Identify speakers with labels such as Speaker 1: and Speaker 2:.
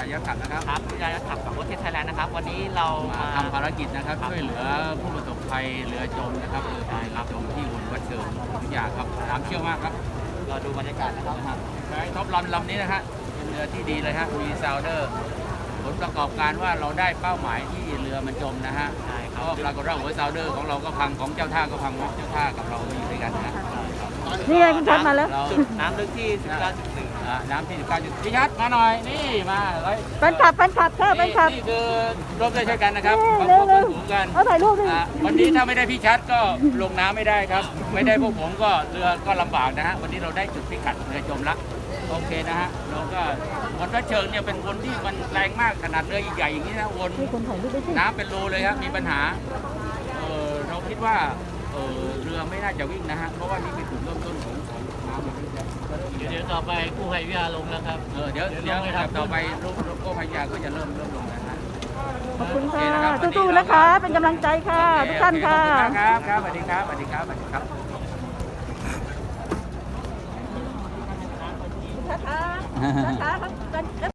Speaker 1: ยักษ์ขับนะครับ
Speaker 2: ครับวิทยาขับของประเทศไทยแลนด์นะครับวันนี้เรา
Speaker 1: มาทำภารกิจนะครับช่วยเหลือผู้ประสบภัยเรือจมนะครับเรือจมที่อุ่นวัดเชิงทุกอย่างครับน้ำเชี่ยวมากครับ
Speaker 2: เราดูบรรยากาศนะครับ
Speaker 1: ใช้ท็อปลำนี้นะฮะเป็นเรือที่ดีเลยฮะมีซาวเดอร์ผลประกอบการว่าเราได้เป้าหมายที่เรือมันจมนะฮะก็ปรากฏว่าหัวซาวเดอร์ของเราก็พังของเจ้าท่าก็พังเจ้าท่ากับเราอยู่ด้วยกันนะ
Speaker 3: นี่ไงคุณชัดมาแล้ว
Speaker 2: จุดน้ำลึกที่ 19.1
Speaker 1: น้ำที่19จุดพี่ชัดมาหน่อยนี่มาเลย
Speaker 3: เป็นขับค่ะเป็นขับ
Speaker 1: นี่คือร่วมด้วยช่วยกันนะครับ
Speaker 3: เร็ว
Speaker 1: สูงกัน
Speaker 3: เอาถ่ายรูปดิ
Speaker 1: วันนี้ถ้าไม่ได้พี่ชัดก็ลงน้ำไม่ได้ครับไม่ได้พวกผมก็เรือก็ลำบากนะฮะวันนี้เราได้จุดพิกัดเรือจมละโอเคนะฮะเราก็วนวัดเชิงเนี่ยเป็นวนที่มันแรงมากขนาดเรือใหญ่ๆอย่างนี้นะวนน้ำเป็นรูเลยครับมีปัญหาเราคิดว่าเรือไม่น่าจะวิ่งนะฮะเพราะว่านี่เป็นจุดเริ่มต้นของน้ำ
Speaker 2: เดี๋ยวต่อไปกู้ภัยวิทยาลงนะครับ
Speaker 1: เดี๋ยวต่อไปกู้ภัยวิทยาก็จะเริ่มลงนะฮะ
Speaker 3: ขอบคุณค่ะสู้ๆนะคะเป็นกำลังใจค่ะทุกท่านค่ะ
Speaker 1: ครับสวัสดีครับสวัสดีครับสวัสดีครับ
Speaker 3: นะคะ